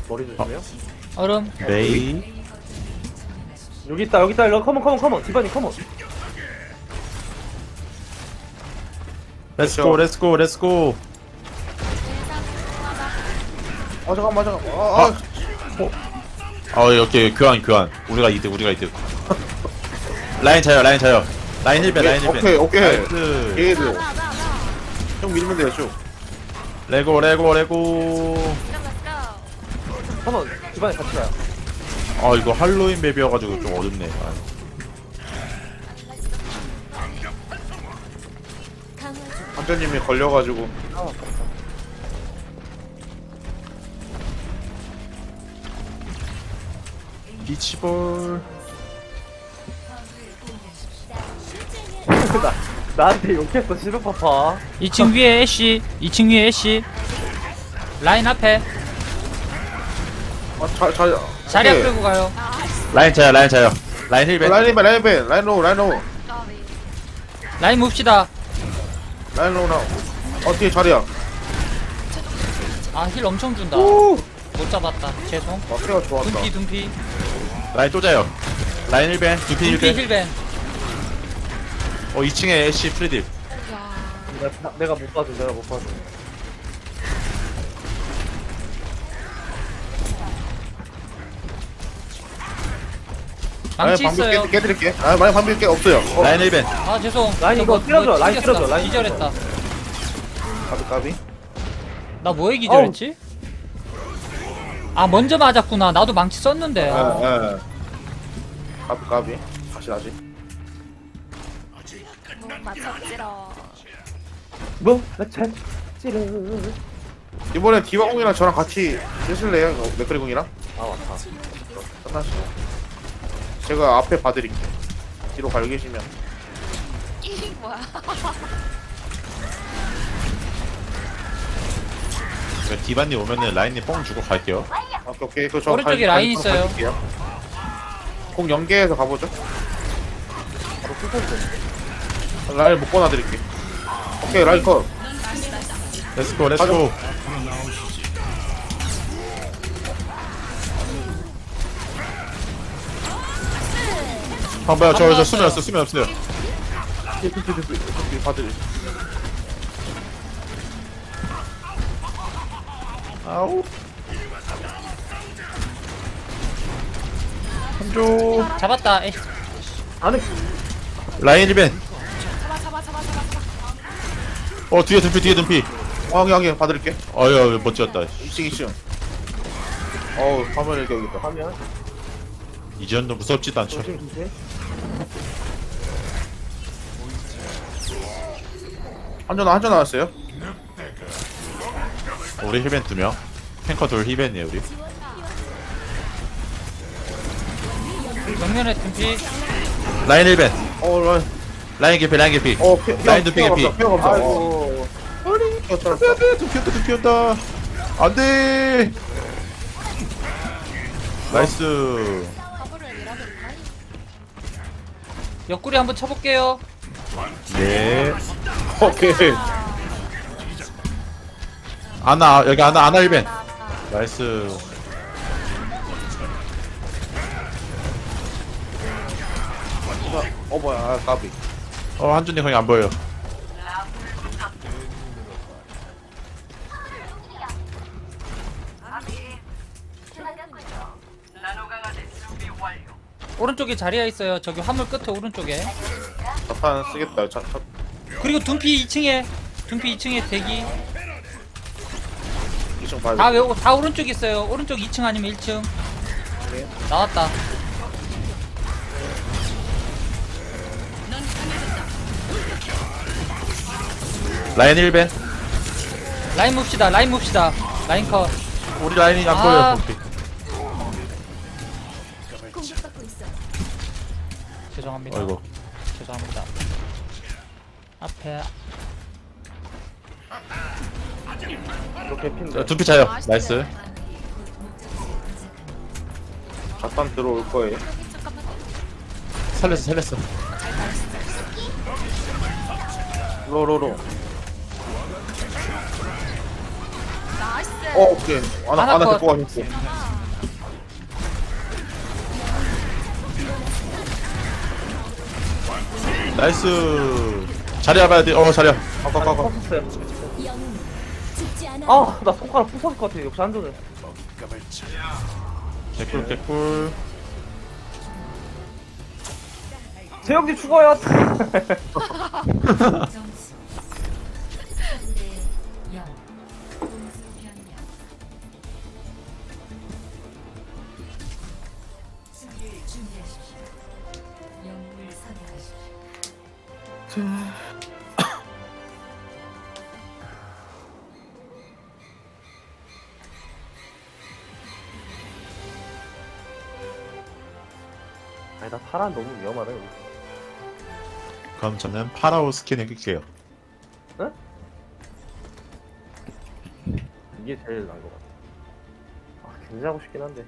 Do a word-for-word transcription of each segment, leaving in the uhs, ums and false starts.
머리 조심해요. 얼음. 메이. 여기 있다 여기 있다 일로 컴온 컴온 컴온 디바니 컴온. 렛츠고 렛츠고 렛츠고. 아 잠깐만 잠깐만. 아, 아. 어 여기 교환 교환. 우리가 이득 우리가 이득. 라인 차요 라인 차요. 라인 힐배 라인 힐배. 오케이 오케이. 나이스. 얘들. 형 밀면 돼요 쭉. 레고 레고 레고. 컴온 디바니 같이 가요. 아 이거 할로윈 맵이어가지고 좀 어렵네. 아. 관장님이 걸려가지고. 비치볼. 나 나한테 욕했어 시루파파. 이 층 위에 애쉬. 이 층 위에 애쉬. 라인 앞에. 아자 자. 자리 앞 끌고 가요. 라인 차요 라인 차요. 라인 힐배. 라인 배 라인 배 라인 로우 라인 로우 라인 봅시다. 라인 로우 나. 어 뒤에 자리야. 아, 힐 엄청 준다. 오. 못 잡았다. 죄송. 아 케어 좋았다. 둠피, 둠피. 라인 또 자요. 라인 힐배. 두피 둠피 힐배. 힐벤. 어 이 층에 애쉬 프리딜. 나, 내가 못 봐줘 내가 못 봐줘. 망치 방비 있어요. 깨, 깨드릴게. 아 많이 방비 깨 없어요. 어. 라인 힐배. 아, 죄송. 라인 저거 이거 때려줘, 뭐 라인 튕겼어. 때려줘, 라인 기절했다. 까비 까비. 나 뭐에 기절했지? 아, 먼저 맞았구나. 나도 망치 썼는데. 아. 예 예. 까비 까비. 다시 다시. 맞췄지러. 뭐? 나 잤지르. 이번에 디바공이랑 저랑 같이 쓰실래요? 어, 맥크리공이랑? 아 맞다. 끝났어요. 제가 앞에 봐드릴게요. 뒤로 가려 계시면. 이 뭐야? 이거 디바님 오면은 라인님 뽕 주고 갈게요. 오케이 오케이. 그저 오른쪽에 라인 있어요. 공 연계해서 가보죠. 바로 풀포인트. 라인 못 꺼놔드릴게. 오케이 라인 컷. 렛츠고 렛츠고. 방봐요 저저 수면 없어 수면 없어요. 뒤 봐드릴. 아우. 한조. 잡았다. 에이. 안에 라인 힐배. 잡아 잡아 잡아 잡아 잡아. 어 뒤에 dum피 뒤에 dum피. 어 여기 여기 봐드릴게. 어휴 멋졌다. 이 층 이 층. 어우 화면 이렇게 여기 있다. 가면 이전도 무섭지도 않죠. 조심 조심. 한전 한전 나왔어요. 우리 힐벤 두 명. 탱커 둘 힐벤이에요 우리. 정면에 둠피. 라인 힐벤. 어 라인. 라인 개피 라인 개피. 어 피, 라인도 피 개피. 피어 감사. 아이고. 피어 쩔었어. 안돼 둠피었다 둠피었다. 안돼. 나이스. 가브를 밀어볼까? 옆구리 한번 쳐볼게요. 네. 오케이. 아나 여기 아나 아나 힐벤. 나이스. 어 뭐야 아, 까비. 어 한준이 거의 안 보여요. 오른쪽에 자리야 있어요. 저기 화물 끝에 오른쪽에. 자탄 쓰겠다. 자, 자, 그리고 둠피 이 층에. 둠피 이 층에 대기. 이 층 봐야 다 돼. 외고 다 오른쪽 있어요. 오른쪽 이 층 아니면 일 층. 나왔다. 라인 힐벤. 라인 봅시다. 라인 봅시다. 라인 컷. 우리 라인이 안 아. 보여. 오케이. 공격받고 있어. 죄송합니다. 어이구. 죄송합니다. 앞에 이렇게 핀데. 둠피 차요. 나이스. 자탄 들어올 거예요. 잠깐만. 살렸어 살렸어. 로로로. 나이스. 어 오케이. 아나 아나 아나 컷. 데리고 가니까. 나이스. 자리 잡아야 돼. 어 자리야. 가가가가. 컸었어요. 영웅 죽지 않아. 아, 나 손가락 부서질 것 같아. 역시 한조는. 개꿀 개꿀. 재혁님 죽어요. 점수 삼 대 영 공수 변경 수비를 준비하십시오. 영웅을 선택하십시오. 아니, 나 파란 너무 위험하네. 여기. 그럼 저는 파라오 스킨을 낄게요. 이게 제일 나은 것 같아. 아, 견제하고 싶긴 한데.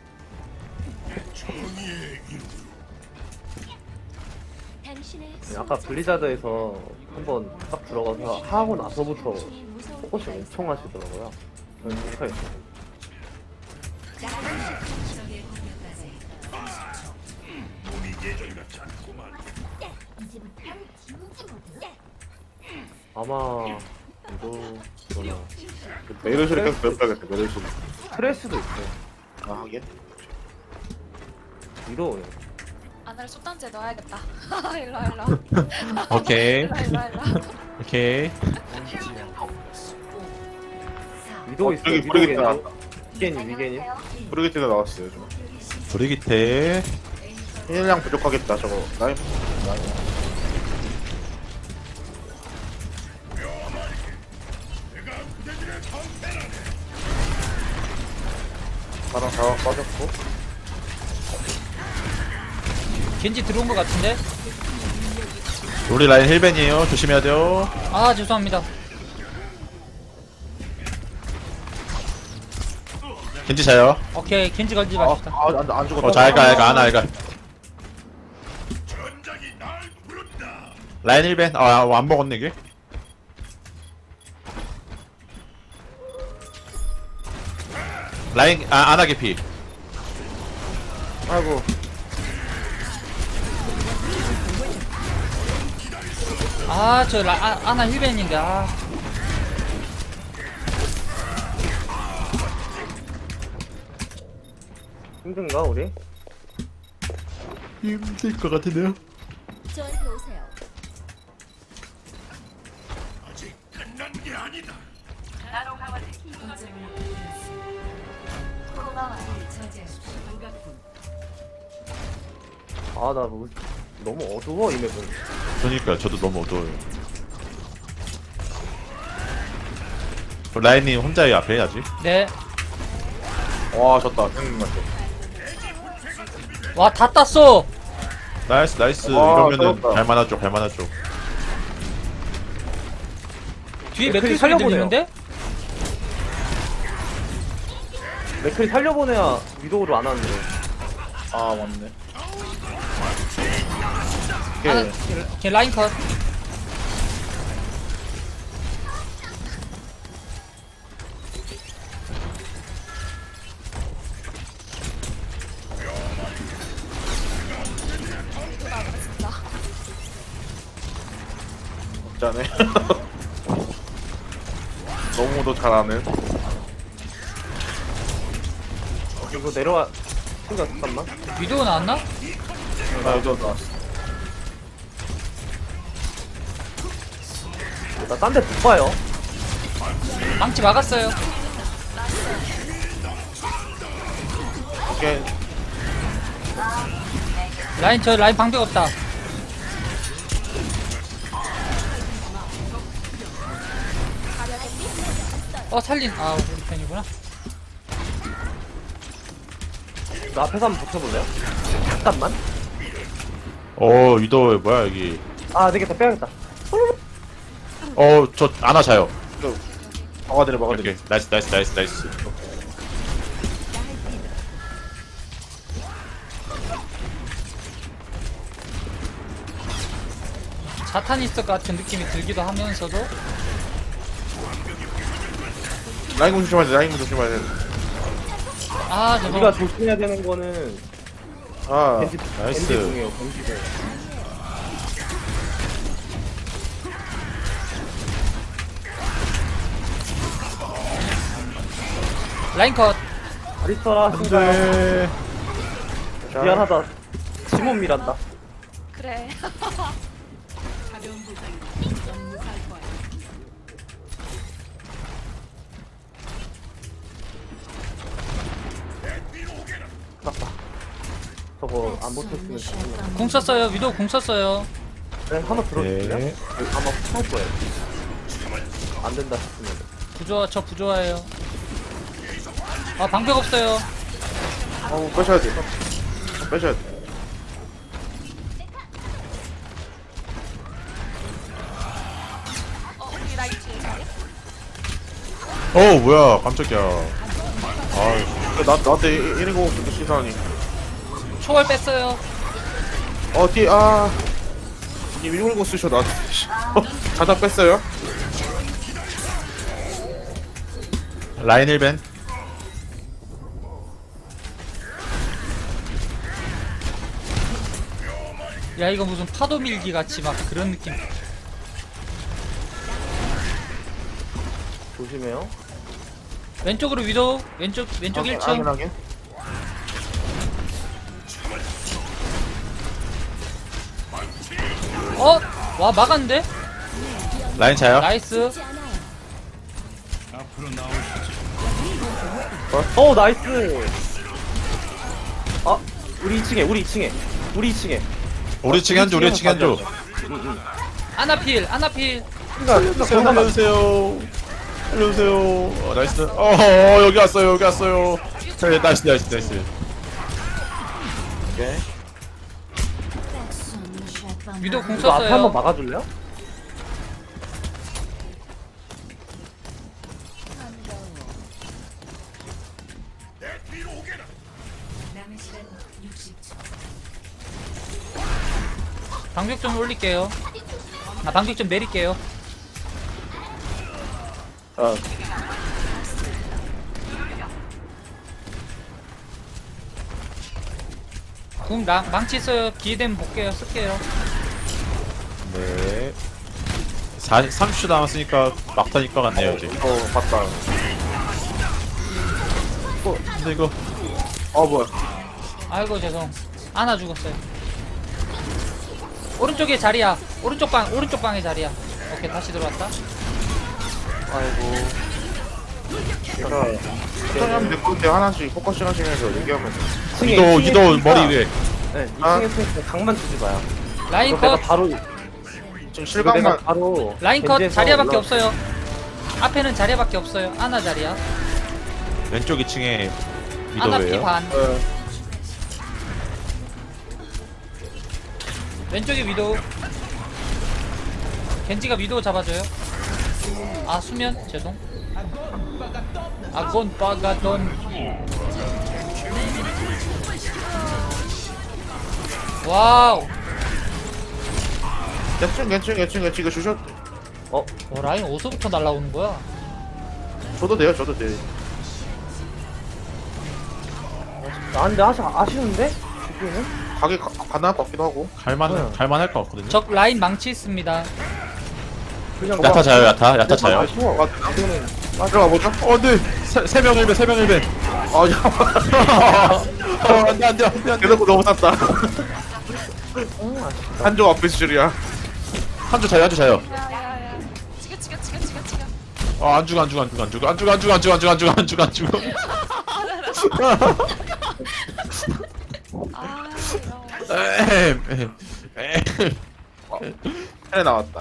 당신의 아까 블리자드에서 한번 딱 들어가서 하고 나서부터 포커싱 엄청 하시더라고요. 저는 생각했어요. 적의 공격까지 아마 이거 저는 메르시를 계속 배워야겠다. 메르시. 스트레스도 있어요. 아 하긴. 위로 아나를 쏟단지에 넣어야겠다. 일로 일로. 오케이. 일로 일로 일로. 오케이. 위도 어, 있어요. 저기 위도 브리기트 계세요. 나왔다. 위겐이 위겐이. 브리기트가 나왔어요 좀. 브리기테. 힐량 부족하겠다 저거. 라인. 라인. 파랑 자원 빠졌고. 겐지 들어온 것 같은데? 우리 라인 힐벤이에요. 조심해야 돼요. 아 죄송합니다. 겐지 자요. 오케이 겐지 걸지 맙시다. 아안 안 죽었다. 어 잘가 잘가 아나 잘가. 라인 힐벤. 아안 먹었네 이게. 라인 아 아나 개피. 아이고. 아저 아, 아나 힐벤인데 아. 힘든가 우리? 힘들 것 같은데요. 저한테 오세요. 저지하십시오. 아, 나 뭐, 너무 어두워 이 맵은. 그러니까 저도 너무 어두워요. 그 라인님 혼자 이 앞에 해야지. 네. 와 졌다. 형님 같아. 와 다 땄어. 나이스 나이스. 와, 이러면은 잘했다. 갈만하죠 갈만하죠. 뒤에 맥클이 맥클 소리 살려보네요. 들리는데? 맥클이 살려보내야 위도우를 안 하는데. 아 맞네. 아나 오케이. 걔 라인 컷. 없자네. 너무도 잘하는. 이거 내려와. 친구야, 잠깐만. 위도우 나왔나? 나 여기 나왔어. 나 딴 데 못 봐요. 망치 막았어요. 오케이. 라인 저 라인 방벽 없다. 어 살린 아 우리 편이구나. 나 앞에서 한번 붙여볼래요? 잠깐만. 어 위도 뭐야 여기. 아, 안 되겠다. 빼야겠다. 어 저 아나 자요. 막아드려 막아드려. 오케이 나이스 나이스 나이스 나이스. 사타니스트 같은 느낌이 들기도 하면서도 라인 공 조심해야 돼. 라인 공 조심해야 돼. 아 우리가 죄송. 조심해야 되는 거는 아, 겐지 나이스. 겐지 공이에요. 겐지 공. 라인 컷. 아리스타라 신가요? 안돼. 자, 미안하다. 지문 미란다. 그래. 아깝다. 저거 안 못했으면 좋겠네. 궁 썼어요. 위도 궁 썼어요. 네, 한번 들어주세요. 네. 아마 할 거예요. 안 된다 싶으면. 부조화 저 부조화예요. 아 방벽 없어요. 어, 빼셔야 돼. 빼셔야 돼. 어 우리 라인 뒤에 자리? 어 뭐야 깜짝이야. 아 나, 나한테 이런 거 없으면 시사하니. 초월 뺐어요. 어, 뒤에, 아. 님 이런 거 쓰셔, 나한테. 자다 뺐어요? 라인 힐벤. 야 이거 무슨 파도 밀기 같이 막 그런 느낌. 조심해요. 왼쪽으로 위도. 왼쪽 왼쪽 확인, 일 층. 확인. 어? 와 막았는데? 라인 차요. 나이스. 죽지 않아요. 어, 나이스. 아, 우리 이 층에, 우리 이 층에, 우리 이 층에. 우리 층에 한조 우리 층에 한조. 아나필 아나필. 살려주세요 살려주세요. 살려주세요. 어, 나이스. 어, 어 여기 왔어요 여기 왔어요. 자, 나이스 나이스 나이스. 오케이. 위도 궁 이거 앞에 한번 썼어요. 막아줄래요? 남은 시간 육십 초. 방벽 좀 올릴게요. 아 방벽 좀 내릴게요. 어. 궁 나, 망치 써요. 기회 되면 볼게요. 쓸게요. 네. 사 삼십 초 남았으니까 막탄 입것 같네요 이제. 이거 봤다. 근데 이거 어, 뭐야. 아이고 죄송. 아나 죽었어요. 오른쪽에 자리야. 오른쪽 방 오른쪽 방에 자리야. 오케이 다시 들어왔다. 아이고. 제가, 시청하면 될 건데 하나씩 포커싱 하시면서 얘기하면 돼. 층에, 이도 이 층에 이도 있으니까- 머리 위에. 네, 이 아. 층에 있으니까 강만 주지 마요. 라인 이거 내가 컷. 바로, 지금 이거 내가 실각만. 바로. 라인 컷. 겐지에서 자리야밖에 올라- 없어요. 앞에는 자리야밖에 없어요. 아나 자리야. 왼쪽 이 층에 아나 피 미도예요. 반. 어, 왼쪽에 위도. 겐지가 위도 잡아줘요. 아 수면 죄송. 아곤 빠가돈. 와우. 괜찮, 괜찮, 괜찮, 괜찮. 이거 주셔. 어, 어, 라인 어디서부터 날라오는 거야? 줘도 돼요, 줘도 돼. 나한테 아시, 아쉬운데? 죽기는? 가게 가, 가능할 것 같기도 하고. 갈만 네. 갈만할 것 같거든요. 적 라인 망치 있습니다. 그냥 야타 자요 야타 야타 자요. 아쉬워. 아, 이거는 아, 들어가 보죠. 어, 네. 세명 일벤, 세명 일벤. 아, 잠깐만. 어, 안 돼, 안 돼, 안 돼, 안 돼. 대놓고 너무 쌌다. 음, 아쉽다. 한조 앞에 수줄이야. 한조 자요, 한조 자요. 야야야. 지겨 지겨 지겨 지겨 지겨. 어, 안 죽어, 안 죽어, 안 죽어, 안 죽어, 안 죽어, 안 죽어, 안 죽어, 안 죽어, 안 죽어, 안 죽어. 아 이런. 에헴, 에헴, 에헴. 해 나왔다.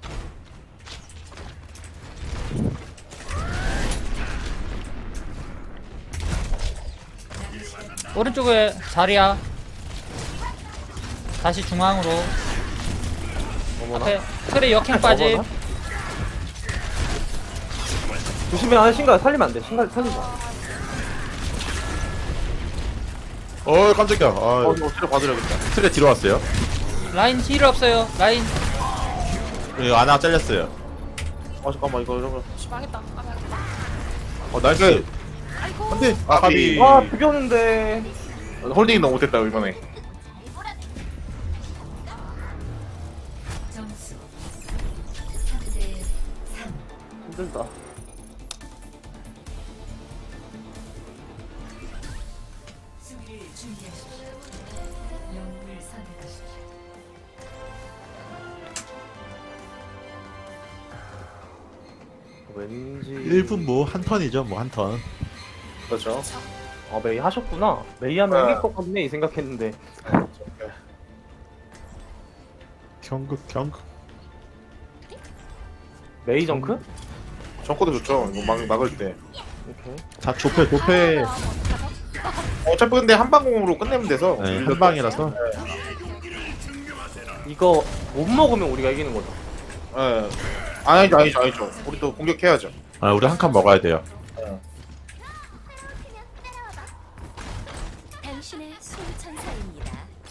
오른쪽에 자리야. 다시 중앙으로. 어머나. 앞에 틀에 역행 빠짐. 어머나. 조심해, 아, 신가 살리면 안 돼. 신가 살리지 마. 어, 깜짝이야. 어, 아, 이거 치료 받으려겠다. 틀에 뒤로 왔어요. 라인 힐 없어요. 라인. 그리고 아나 잘렸어요. 아, 잠깐만, 이거 이러면. 씨, 망했다. 아 망했다. 어 나이스. 아이고. 안돼. 아, 까비. 와 비겼는데. 홀딩이 너무 못했다 이번에. 점수 삼 대 삼. 힘들다. 수비를 준비하십시오. 영웅을 선택하십시오. 왠지 일 분 뭐 한 턴이죠 뭐 한 턴. 그렇죠. 아 메이 하셨구나. 메이 하면 네. 이길 것 같네 이 생각했는데. 경극 경극. 메이 정크? 정코도 좋죠. 이거 막 막을 때. 오케이. 자 조패 조패. 어차피 근데 한 방공으로 끝내면 돼서. 네, 한 방이라서. 이거 못 먹으면 우리가 이기는 거죠. 예. 아니죠 아니죠 아니죠. 우리 또 공격해야죠. 아 우리 한 칸 먹어야 돼요. 당신의 수천사입니다.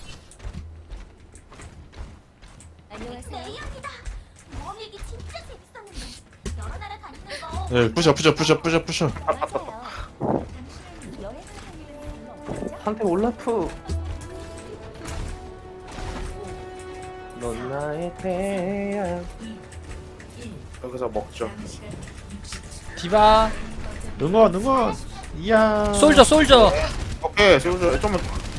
안녕하세요. 모험일기 진짜 재밌었는데 여러 나라 다니는 거 네 부셔 부셔 부셔 부셔 부셔. 맞아요. 당신은 여행을 한 일은 별로 없죠? 한테 올라프. 넌 나의 태양. 여기서 먹죠. 남은 시간 육십 초. 디바 응원 응원. 이야. 솔저 솔저. 오케이 세우죠. 좀만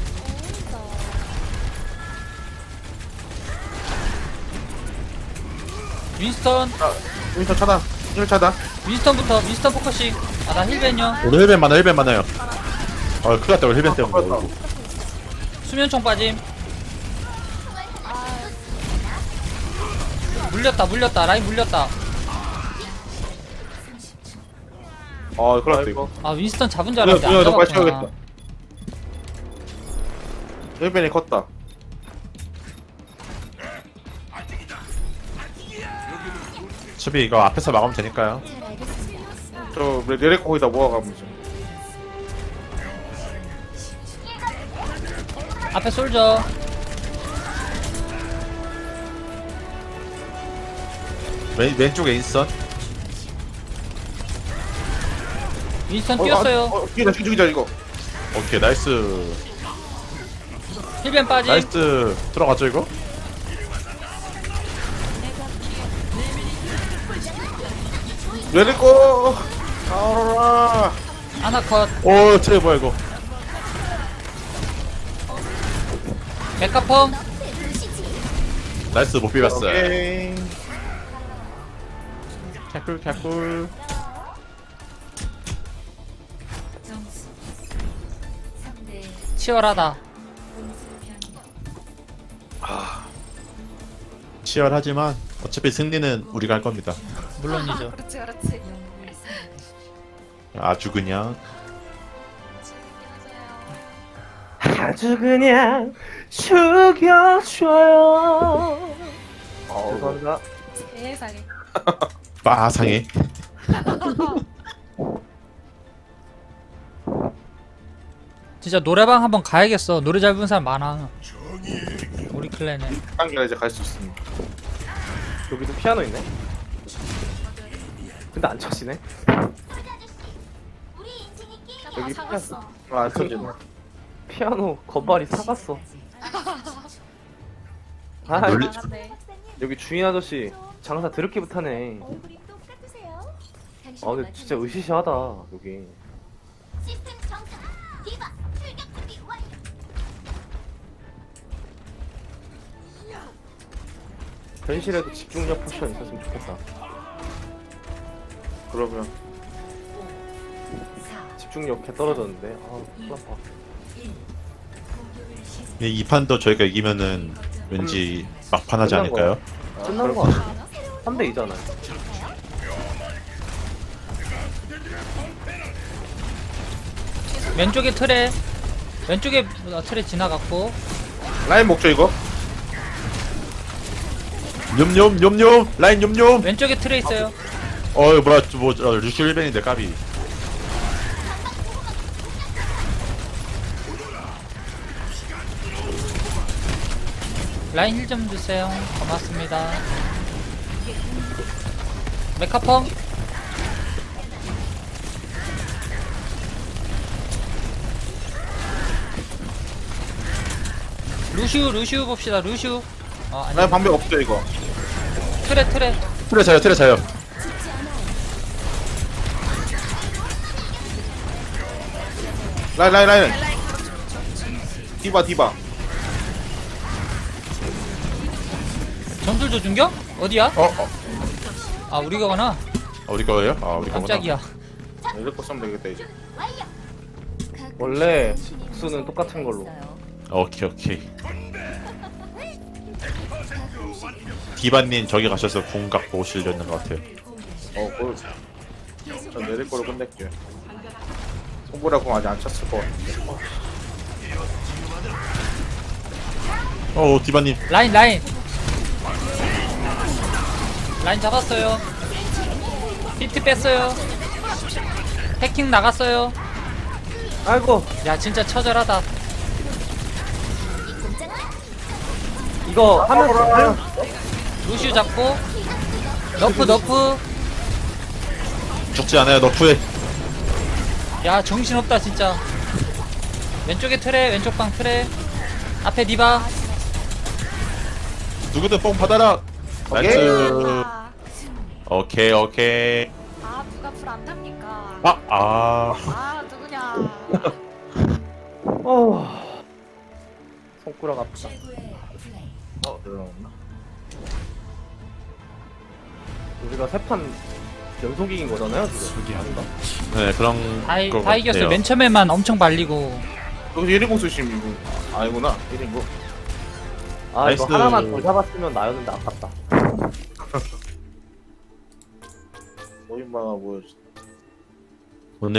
윈스턴 윈터 차단. 일 차단. 윈스턴부터 윈스턴 포커싱. 아나 힐벤요. 오늘 힐벤 많아 힐벤 많아요. 아 큰일 났다 우리 힐벤 때문에. 아, 수면총 빠짐. 물렸다 물렸다 라인 물렸다. 아 큰일 났다 이거. 아 윈스턴 잡은 줄 이거 알았는데 안 이거 너무 빨리 잡았구나. 채워야겠다. 힐벤이 컸다. 수비 이거 앞에서 막으면 되니까요. 잘 알겠습니다. 저 레레코 거기다 모아가면 죠 앞에 솔저. 왼 왼쪽에 인선. 윈스턴 뛰었어요. 어, 죽이자 죽이자 이거. 오케이 나이스. 힐벤 빠짐. 나이스. 들어가죠 이거. 레레코. 아라. 아나컷. 오 트레 뭐야 이거. 메카펑. 나이스 못 비봤어요. 오케이. 개꿀 개꿀. 점수 삼 대 치열하다. 공수 변경. 치열하지만 어차피 승리는 우리가 할 겁니다. 물론이죠. 그렇지 그렇지. 영웅을 선택하십시오. 아주 그냥. 재밌게 하세요. 아주 그냥 죽여줘요. 아, 죄송합니다. 세상에. 빠상해. 진짜 노래방 한번 가야겠어. 노래 잘 부르는 사람 많아. 우리 클랜에. 단계가 이제 갈 수 있습니다. 여기도 피아노 있네. 근데 안 쳐지네. 우리 인생이 게임 나 여기 사갔어. 아, 터지. 피아노 건발이 사갔어. 아 놀리- 나갔네. 여기 주인 아저씨 장사 드럽게 못하네. 얼굴이 똑같으세요. 아 근데 진짜 으시시하다 여기. 시스템 정상. 디바 출격 준비 완료. 현실에도 집중력 포션 있었으면 좋겠다. 그러면 사, 집중력 개 떨어졌는데. 아 큰일 났다. 일. 공격을 시작. 이 판도 저희가 이기면은 왠지 막판하지 끝난 않을까요? 끝난 거 아니야? 삼 대 이잖아. 왼쪽에 트레. 왼쪽에 어, 트레 지나갔고. 라인 먹죠 이거. 뇸뇸 뇸뇸 라인 뇸뇸. 왼쪽에 트레 있어요. 어 뭐야 뭐 어, 루시 힐벤인데 까비. 라인 힐 좀 주세요. 고맙습니다. 메카펑. 루슈 루슈 봅시다 루슈. 어 아니 라인 방벽 없어 이거. 트레 트레. 트레 자요 트레 자요. 라인 라인 라인. 디바 디바. 전술 조준경? 어디야? 어, 어. 아 우리가 가나? 아, 우리 거예요? 아 우리 거구나. 깜짝이야. 이렇게 쓰면 되겠다 이제. 원래 수는 똑같은 걸로. 오케이 오케이. 디바님 저기 가셔서 궁 갖고 오시려는 것 같아요. 어 그. 전 내릴 거로 끝낼게. 손보라고 아직 안 찼을 것 같은데. 어 디바님. 라인 라인. 라인 잡았어요. 히트 뺐어요. 해킹 나갔어요. 아이고 야 진짜 처절하다. 이거 하면 루슈 잡고 너프 너프. 죽지 않아요 너프에. 야 정신없다 진짜. 왼쪽에 트레 왼쪽 방 트레. 앞에 디바. 누구든 뽕 받아라. 나이스. 아, 오케이 오케이. 아 누가 불 안 탑니까? 아 아. 아 누구냐? 어 손가락 아프다. 최고의 플레이. 어 내려놓나? 우리가 세 판 연속 이긴 거잖아요 지금. 아닌가? 네 그런. 다, 이- 것 다 이겼어요. 같아요. 맨 처음에만 엄청 발리고. 여기 일 인공 쓰심 이거. 아니구나 일 인공. 아 이거 나이스. 하나만 더 잡았으면 나였는데 아깝다. 오인방아 보여줘.